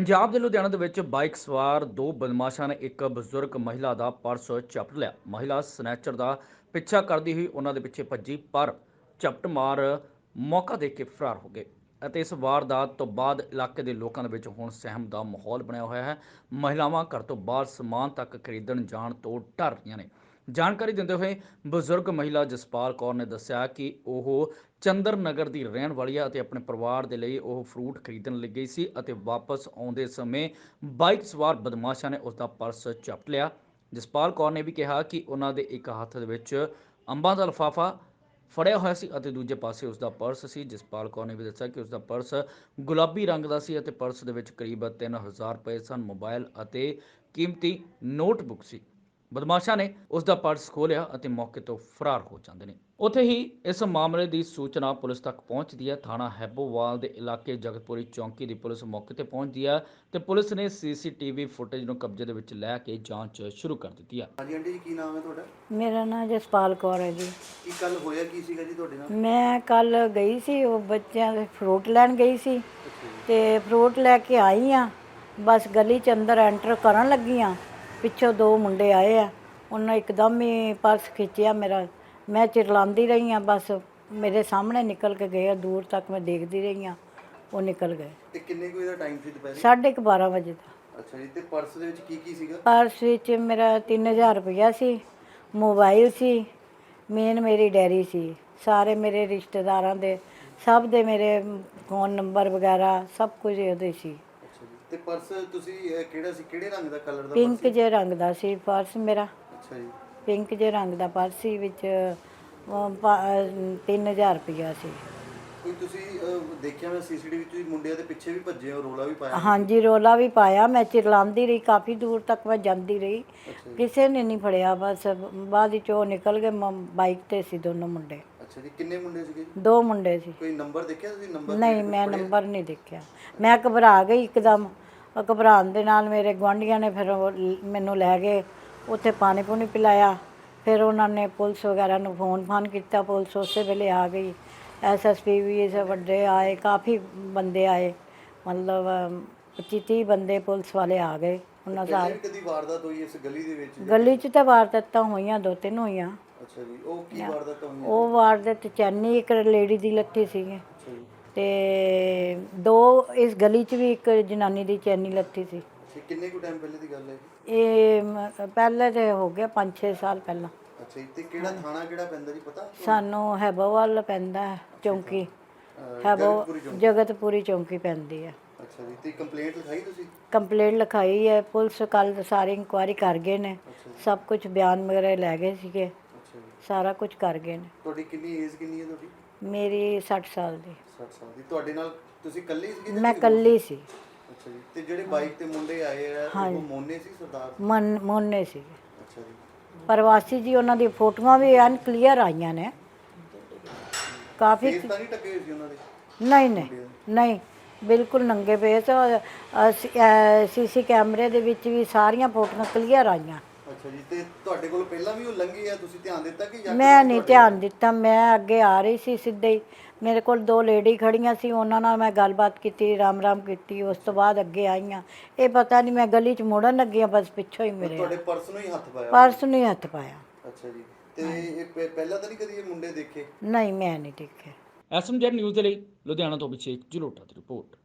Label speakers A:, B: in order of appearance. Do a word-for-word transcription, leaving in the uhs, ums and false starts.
A: ਪੰਜਾਬ ਦੇ ਲੁਧਿਆਣਾ ਦੇ ਵਿੱਚ ਬਾਈਕ ਸਵਾਰ ਦੋ ਬਦਮਾਸ਼ਾਂ ਨੇ ਇੱਕ ਬਜ਼ੁਰਗ ਮਹਿਲਾ ਦਾ ਪਰਸ ਝਪਟ ਲਿਆ। ਮਹਿਲਾ ਸਨੈਚਰ ਦਾ ਪਿੱਛਾ ਕਰਦੀ ਹੋਈ ਉਹਨਾਂ ਦੇ ਪਿੱਛੇ ਭੱਜੀ, ਪਰ ਝਪਟ ਮਾਰ ਮੌਕਾ ਦੇ ਕੇ ਫਰਾਰ ਹੋ ਗਏ ਅਤੇ ਇਸ ਵਾਰਦਾਤ ਤੋਂ ਬਾਅਦ ਇਲਾਕੇ ਦੇ ਲੋਕਾਂ ਦੇ ਵਿੱਚ ਹੁਣ ਸਹਿਮ ਦਾ ਮਾਹੌਲ ਬਣਿਆ ਹੋਇਆ ਹੈ। ਮਹਿਲਾਵਾਂ ਘਰ ਤੋਂ ਬਾਹਰ ਸਮਾਨ ਤੱਕ ਖਰੀਦਣ ਜਾਣ ਤੋਂ ਡਰ ਰਹੀਆਂ ਨੇ। ਜਾਣਕਾਰੀ ਦਿੰਦੇ ਹੋਏ ਬਜ਼ੁਰਗ ਮਹਿਲਾ ਜਸਪਾਲ ਕੌਰ ਨੇ ਦੱਸਿਆ ਕਿ ਉਹ ਚੰਦਰ ਨਗਰ ਦੀ ਰਹਿਣ ਵਾਲੀ ਹੈ ਅਤੇ ਆਪਣੇ ਪਰਿਵਾਰ ਦੇ ਲਈ ਉਹ ਫਰੂਟ ਖਰੀਦਣ ਲਈ ਗਈ ਸੀ ਅਤੇ ਵਾਪਸ ਆਉਂਦੇ ਸਮੇਂ ਬਾਈਕ ਸਵਾਰ ਬਦਮਾਸ਼ਾਂ ਨੇ ਉਸ ਦਾ ਪਰਸ ਝਪਟ ਲਿਆ। ਜਸਪਾਲ ਕੌਰ ਨੇ ਵੀ ਕਿਹਾ ਕਿ ਉਹਨਾਂ ਦੇ ਇੱਕ ਹੱਥ ਦੇ ਵਿੱਚ ਅੰਬਾਂ ਦਾ ਲਿਫਾਫਾ ਫੜਿਆ ਹੋਇਆ ਸੀ ਅਤੇ ਦੂਜੇ ਪਾਸੇ ਉਸ ਦਾ ਪਰਸ ਸੀ। ਜਸਪਾਲ ਕੌਰ ਨੇ ਵੀ ਦੱਸਿਆ ਕਿ ਉਸ ਦਾ ਪਰਸ ਗੁਲਾਬੀ ਰੰਗ ਦਾ ਸੀ ਅਤੇ ਪਰਸ ਦੇ ਵਿੱਚ ਕਰੀਬ ਤਿੰਨ ਹਜ਼ਾਰ ਰੁਪਏ ਸਨ, ਮੋਬਾਈਲ ਅਤੇ ਕੀਮਤੀ ਨੋਟਬੁੱਕ ਸੀ। ਬਦਮਾਸ਼ਾਂ ਨੇ ਉਸ ਦਾ ਪਰਸ ਖੋਲ੍ਹਿਆ ਅਤੇ ਮੌਕੇ ਤੋਂ ਫਰਾਰ ਹੋ ਜਾਂਦੇ ਨੇ। ਉੱਥੇ ਹੀ ਇਸ ਮਾਮਲੇ ਦੀ ਸੂਚਨਾ ਪੁਲਿਸ ਤੱਕ ਪਹੁੰਚਦੀ ਹੈ। ਥਾਣਾ ਹੈਬੋਵਾਲ ਦੇ ਇਲਾਕੇ ਜਗਤਪੁਰੀ ਚੌਂਕੀ ਦੀ ਪੁਲਿਸ ਮੌਕੇ ਤੇ ਪਹੁੰਚਦੀ ਹੈ ਤੇ ਪੁਲਿਸ ਨੇ ਸੀਸੀਟੀਵੀ ਫੁਟੇਜ ਨੂੰ ਕਬਜ਼ੇ ਦੇ ਵਿੱਚ ਲੈ ਕੇ ਜਾਂਚ ਸ਼ੁਰੂ ਕਰ ਦਿੱਤੀ ਹੈ।
B: ਹਾਂਜੀ ਆਂਟੀ ਜੀ, ਕੀ ਨਾਮ ਹੈ ਤੁਹਾਡਾ?
C: ਮੇਰਾ ਨਾਮ ਜਸਪਾਲ ਕੌਰ ਹੈ ਜੀ।
B: ਕੀ ਕੱਲ ਹੋਇਆ ਕੀ ਸੀਗਾ ਜੀ ਤੁਹਾਡੇ ਨਾਲ?
C: ਮੈਂ ਕੱਲ ਗਈ ਸੀ, ਉਹ ਬੱਚਿਆਂ ਦੇ ਫਰੂਟ ਲੈਣ ਗਈ ਸੀ
B: ਅੱਛਾ ਜੀ।
C: ਤੇ ਫਰੂਟ ਲੈ ਕੇ ਆਈ ਆ। ਬਸ ਗਲੀ ਚ ਅੰਦਰ ਐਂਟਰ ਕਰਨ ਲੱਗੀ ਆ, ਪਿੱਛੋਂ ਦੋ ਮੁੰਡੇ ਆਏ ਆ, ਉਹਨਾਂ ਇੱਕਦਮ ਹੀ ਪਰਸ ਖਿੱਚਿਆ ਮੇਰਾ। ਮੈਂ ਚਿਰਲਾਉਂਦੀ ਰਹੀ ਆ, ਬਸ ਮੇਰੇ ਸਾਹਮਣੇ ਨਿਕਲ ਕੇ ਗਏ, ਦੂਰ ਤੱਕ ਮੈਂ ਦੇਖਦੀ ਰਹੀ ਆ, ਉਹ ਨਿਕਲ ਗਏ।
B: ਤੇ ਕਿੰਨੇ ਕੁ ਵਜੇ ਦਾ ਟਾਈਮ ਸੀ ਦੁਪਹਿਰੇ?
C: ਸਾਢੇ ਕੁ ਬਾਰਾਂ ਵਜੇ ਦਾ।
B: ਅੱਛਾ ਜੀ। ਤੇ ਪਰਸ ਦੇ ਵਿੱਚ ਕੀ ਕੀ ਸੀਗਾ?
C: ਪਰਸ ਵਿੱਚ ਮੇਰਾ ਤਿੰਨ ਹਜ਼ਾਰ ਰੁਪਇਆ ਸੀ, ਮੋਬਾਈਲ ਸੀ, ਮੇਨ ਮੇਰੀ ਡੈਰੀ ਸੀ, ਸਾਰੇ ਮੇਰੇ ਰਿਸ਼ਤੇਦਾਰਾਂ ਦੇ ਸਭ ਦੇ ਮੇਰੇ ਫੋਨ ਨੰਬਰ ਵਗੈਰਾ ਸਭ ਕੁਝ ਉਹਦੇ ਸੀ।
B: ਅੱਛਾ ਜੀ। ਤੇ ਪਰਸ ਤੁਸੀਂ ਅਹ, ਕਿਹੜਾ ਸੀ, ਕਿਹੜੇ ਰੰਗ ਦਾ, ਕਲਰ ਦਾ
C: ਪਿੰਕ
B: ਪਰਸ?
C: ਜਿਹੇ ਰੰਗ ਦਾ ਸੀ ਪਰਸ ਮੇਰਾ,
B: ਅੱਛਾ ਜੀ।
C: ਪਿੰਕ ਜਿਹੇ ਰੰਗ ਦਾ ਪਰਸ ਸੀ, ਵਿੱਚ ਅਹ, ਪਾ- ਅਹ, ਤਿੰਨ ਹਜ਼ਾਰ ਰੁਪਇਆ ਸੀ।
B: ਕੋਈ ਤੁਸੀਂ ਅਹ, ਦੇਖਿਆ ਮੈਂ ਸੀਸੀਟੀਵੀ ਤੁਸੀਂ ਮੁੰਡਿਆਂ ਦੇ ਪਿੱਛੇ ਵੀ ਭੱਜੇ ਹੋ, ਰੋਲਾ ਵੀ ਪਾਇਆ?
C: ਹਾਂਜੀ, ਰੋਲਾ ਵੀ ਪਾਇਆ, ਮੈਂ ਚਿਰਲਾਉਂਦੀ ਰਹੀ, ਕਾਫੀ ਦੂਰ ਤੱਕ ਮੈਂ ਜਾਂਦੀ ਰਹੀ,
B: ਅੱਛਾ ਜੀ।
C: ਕਿਸੇ ਨੇ ਨਹੀਂ ਫੜਿਆ। ਬਸ ਬਾਅਦ ਵਿੱਚ ਉਹ ਨਿਕਲ ਗਏ, ਮ- ਬਾਈਕ ਤੇ ਸੀ ਦੋਨੋਂ ਮੁੰਡੇ,
B: ਅੱਛਾ ਜੀ। ਕਿੰਨੇ ਮੁੰਡੇ ਸੀਗੇ ਜੀ?
C: ਦੋ ਮੁੰਡੇ ਸੀ।
B: ਕੋਈ ਨੰਬਰ ਦੇਖਿਆ ਤੁਸੀਂ? ਨੰਬਰ
C: ਨਹੀਂ, ਮੈਂ ਨੰਬਰ ਨਹੀਂ ਦੇਖਿਆ, ਮੈਂ ਘਬਰਾ ਗਈ ਇੱਕਦਮ। ਉਹ ਘਬਰਾਉਣ ਦੇ ਨਾਲ ਮੇਰੇ ਗੁਆਂਢੀਆਂ ਨੇ ਫਿਰ ਉਹ ਲ- ਮੈਨੂੰ ਲੈ ਗਏ, ਉੱਥੇ ਪਾਣੀ ਪੂਣੀ ਪਿਲਾਇਆ। ਫਿਰ ਉਹਨਾਂ ਨੇ ਪੁਲਿਸ ਵਗੈਰਾ ਨੂੰ ਫੋਨ ਫਾਨ ਕੀਤਾ, ਪੁਲਿਸ ਉਸੇ ਵੇਲੇ ਆ ਗਈ। ਐਸ ਐਸ ਪੀ ਵੀ ਇਸ ਵੱਡੇ ਆਏ, ਕਾਫੀ ਬੰਦੇ ਆਏ, ਮਤਲਬ ਪੱਚੀ ਤੀਹ ਬੰਦੇ ਪੁਲਿਸ ਵਾਲੇ ਆ ਗਏ। ਉਹਨਾਂ
B: ਪਹਿਲੇ
C: ਸਾਰੇ
B: ਵੀ ਕਦੀ ਵਾਰਦਾਤ ਹੋਈ ਇਸ ਗਲੀ ਦੇ ਵਿੱਚ?
C: ਗਲੀ 'ਚ ਤਾਂ ਵਾਰਦਾਤਾਂ ਹੋਈਆਂ, ਦੋ ਤਿੰਨ ਹੋਈਆਂ।
B: ਅੱਛਾ ਜੀ। ਉਹ ਕੀ ਵਾਰਦਾਤ ਹੋਈ?
C: ਉਹ ਵਾਰਦਾਤ ਚੈਨੀ ਇੱਕ ਲੇਡੀ ਦੀ ਲੱਥੀ ਸੀਗੀ
B: ਅੱਛਾ ਜੀ।
C: ਤੇ ਦੋ ਇਸ ਗਲੀ 'ਚ ਵੀ ਇੱਕ ਜਨਾਨੀ ਦੀ ਚੈਨੀ ਲੱਥੀ ਸੀ।
B: ਅੱਛਾ, ਕਿੰਨੇ ਕੁ ਟਾਈਮ ਪਹਿਲੇ ਦੀ ਗੱਲ ਹੈ?
C: ਇਹ ਮ- ਪਹਿਲੇ ਤੇ ਹੋ ਗਿਆ ਪੰਜ ਛੇ ਸਾਲ ਪਹਿਲਾਂ।
B: ਅੱਛਾ ਜੀ। ਤੇ ਕਿਹੜਾ ਥਾਣਾ ਕਿਹੜਾ ਪੈਂਦਾ ਜੀ, ਪਤਾ?
C: ਸਾਨੂੰ ਹੈਬੋਵਾਲ ਪੈਂਦਾ ਹੈ, ਚੌਂਕੀ
B: ਅਹ,
C: ਹੈਬੋ
B: ਜਗਤਪੁਰੀ ਚੌਂਕ।
C: ਜਗਤਪੁਰੀ ਚੌਂਕੀ ਪੈਂਦੀ ਹੈ।
B: ਅੱਛਾ ਜੀ। ਤੇ ਕੰਪਲੇਂਟ ਲਿਖਾਈ ਤੁਸੀਂ?
C: ਕੰਪਲੇਂਟ ਲਿਖਾਈ ਹੈ, ਪੁਲਿਸ ਕੱਲ ਸਾਰੀ ਇਨਕੁਆਇਰੀ ਕਰ ਗਏ ਨੇ,
B: ਅੱਛਾ ਜੀ।
C: ਸਭ ਕੁਝ ਬਿਆਨ ਵਗੈਰਾ ਲੈ ਗਏ ਸੀਗੇ,
B: ਅੱਛਾ ਜੀ।
C: ਸਾਰਾ ਕੁਝ ਕਰ ਗਏ ਨੇ।
B: ਤੁਹਾਡੀ ਕਿੰਨੀ ਏਜ ਕਿੰਨੀ ਹੈ ਤੁਹਾਡੀ?
C: ਮੇਰੀ ਸੱਠ ਸਾਲ ਦੀ।
B: ਸੱਠ ਸਾਲ ਦੀ। ਤੁਹਾਡੇ ਨਾਲ ਤੁਸੀਂ ਇਕੱਲੇ ਹੀ ਸੀਗੇ ਜਾਂ
C: ਮੈਂ
B: ਕੋਈ ਹੋਰ?
C: ਇਕੱਲੀ ਸੀ।
B: ਅੱਛਾ ਜੀ। ਤੇ ਜਿਹੜੇ ਬਾਈਕ ਤੇ ਮੁੰਡੇ ਆਏ ਆ
C: ਹਾਂਜੀ।
B: ਉਹ ਮੋਨੇ ਸੀ, ਸਰਦਾਰ?
C: ਮਨ ਮੋਨੇ ਸੀਗੇ,
B: ਅੱਛਾ ਜੀ।
C: ਪ੍ਰਵਾਸੀ ਜੀ। ਉਹਨਾਂ ਦੀ ਫੋਟੋਆਂ ਵੀ ਐਨ ਕਲੀਅਰ ਆਈਆਂ ਨੇ, ਕਾਫੀ।
B: ਫੇਸ ਤਾਂ ਨਹੀਂ ਟੱਕੇ ਹੋਏ ਸੀ ਉਹਨਾਂ ਦੇ?
C: ਨਹੀਂ ਨਹੀਂ ਨਹੀਂ, ਬਿਲਕੁਲ ਨੰਗੇ ਪਏ ਸੀ। ਸੀਸੀ ਕੈਮਰੇ ਦੇ ਵਿੱਚ ਵੀ ਸਾਰੀਆਂ ਫੋਟੋਆਂ ਕਲੀਅਰ ਆਈਆਂ।
B: ਅੱਛਾ ਜੀ। ਤੇ ਤੁਹਾਡੇ ਕੋਲ ਪਹਿਲਾਂ ਵੀ ਉਹ ਲੰਘੇ ਆ, ਤੁਸੀਂ ਧਿਆਨ ਦਿੱਤਾ ਕਿ ਜਾਂ
C: ਮੈਂ ਨਹੀਂ ਧਿਆਨ ਦਿੱਤਾ, ਮੈਂ ਅੱਗੇ ਆ ਰਹੀ ਸੀ ਸਿੱਧੇ ਹੀ, ਮੇਰੇ ਕੋਲ ਦੋ ਲੇਡੀ ਖੜੀਆਂ ਸੀ, ਉਹਨਾਂ ਨਾਲ ਮੈਂ ਗੱਲਬਾਤ ਕੀਤੀ, ਰਾਮ ਰਾਮ ਕੀਤੀ, ਉਸ ਤੋਂ ਬਾਅਦ ਅੱਗੇ ਆਈਆਂ। ਇਹ ਪਤਾ ਨਹੀਂ, ਮੈਂ ਗਲੀ 'ਚ ਮੁੜਨ ਲੱਗੀ ਹਾਂ, ਬਸ ਪਿੱਛੋਂ ਹੀ ਮੇਰੇ
B: ਤੁਹਾਡੇ ਪਰਸ ਨੂੰ ਹੀ ਹੱਥ ਪਾਇਆ?
C: ਪਰਸ ਨੂੰ ਹੀ ਹੱਥ ਪਾਇਆ।
B: ਅੱਛਾ ਜੀ। ਤੇ ਇਹ ਪਹਿ- ਪਹਿਲਾਂ ਤਾਂ ਨਹੀਂ ਕਦੀ ਇਹ ਮੁੰਡੇ ਦੇਖੇ?
C: ਨਹੀਂ, ਮੈਂ ਨਹੀਂ ਦੇਖਿਆ।
A: ਐਸਐਮਜੈਡ ਨਿਊਜ਼ ਦੇ ਲਈ ਲੁਧਿਆਣਾ ਤੋਂ ਅਭਿਸ਼ੇਕ ਜਲੋਟਾ ਦੀ ਰਿਪੋਰਟ।